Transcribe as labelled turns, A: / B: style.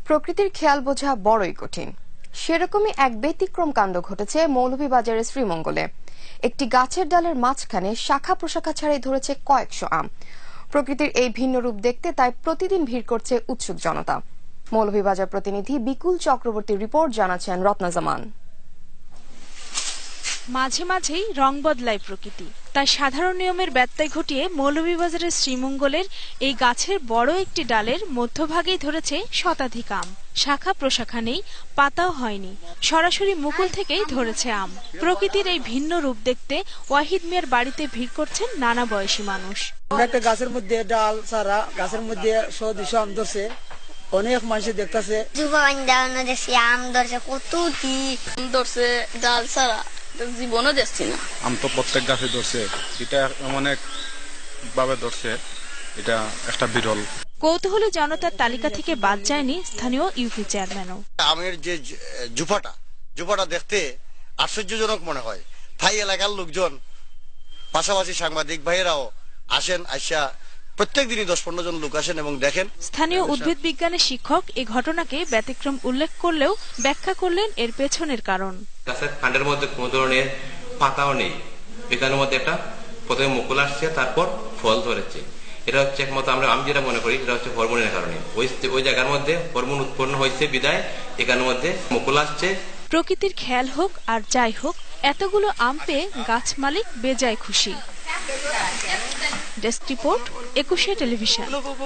A: প্রকৃতির খেয়াল বোঝা বড়ই কঠিন। সেরকমই এক ব্যতিক্রম কাণ্ড ঘটেছে মৌলভীবাজারের শ্রীমঙ্গলে। একটি গাছের ডালের মাঝখানে শাখা প্রশাখা ছাড়াই ধরেছে কয়েকশো আম। প্রকৃতির এই ভিন্ন রূপ দেখতে তাই প্রতিদিন ভিড় করছে উৎসুক জনতা। মৌলভীবাজার প্রতিনিধি বিকুল চক্রবর্তীর রিপোর্ট জানাচ্ছেন রত্না জামান।
B: মাঝে মাঝেই রং বদলায় প্রকৃতি, তাই সাধারণ নিয়মের ব্যত্যয় ঘটিয়ে মৌলভীবাজারের শ্রীমঙ্গলের এই গাছের বড় একটি ডালের মধ্যভাগেই ধরেছে শতাধিক আম। শাখা প্রশাখা নেই, পাতাও হয়নি, সরাসরি মুকুল থেকেই ধরেছে আম। প্রকৃতির এই ভিন্ন রূপ দেখতে ওয়াহিদ মিয়ার বাড়িতে ভিড় করছেন নানা বয়সী মানুষ।
C: একটা গাছের মধ্যে ডাল ছাড়া গাছের মধ্যে 100-200 আম ধরছে, অনেক মানুষ দেখতেছে।
D: আম ধরছে, কতটি ধরছে ডাল ছাড়া জীবনও দেখছি না।
E: আম তো প্রত্যেক গাছে ধরছে, এটা অনেক ভাবে ধরছে, এটা একটা বিরল।
B: কৌতূহলী জনতার তালিকা থেকে বাদ যায়নি স্থানীয় ইউপি চেয়ারম্যানও।
F: আমের যে জুপাটা দেখতে আশ্চর্যজনক মনে হয়। তাই এলাকার লোকজন, পাশাপাশি সাংবাদিক ভাইয়েরাও আসেন, আইসা প্রত্যেক দিনই 10-15 জন লোক আসেন এবং দেখেন।
B: স্থানীয় উদ্ভিদ বিজ্ঞানের শিক্ষক এই ঘটনাকে ব্যতিক্রম উল্লেখ করলেও ব্যাখ্যা করলেন এর পেছনের কারণ।
G: গাছের কাণ্ডের মধ্যে কোনো ধরনের পাতাও নেই, এখানের মধ্যে একটা প্রথমে মুকুল আসছে, তারপর ফল ধরেছে। এটা হচ্ছে একমাত্র আমি যেটা মনে করি, এটা হচ্ছে হরমোনের কারণে। ওই জায়গার মধ্যে হরমোন উৎপন্ন হয়েছে বিদায় এখানের মধ্যে মুকুল আসছে।
B: প্রকৃতির খেয়াল হোক আর যাই হোক, এতগুলো আম পেয়ে গাছ মালিক বেজায় খুশি। Desk report, 21 television.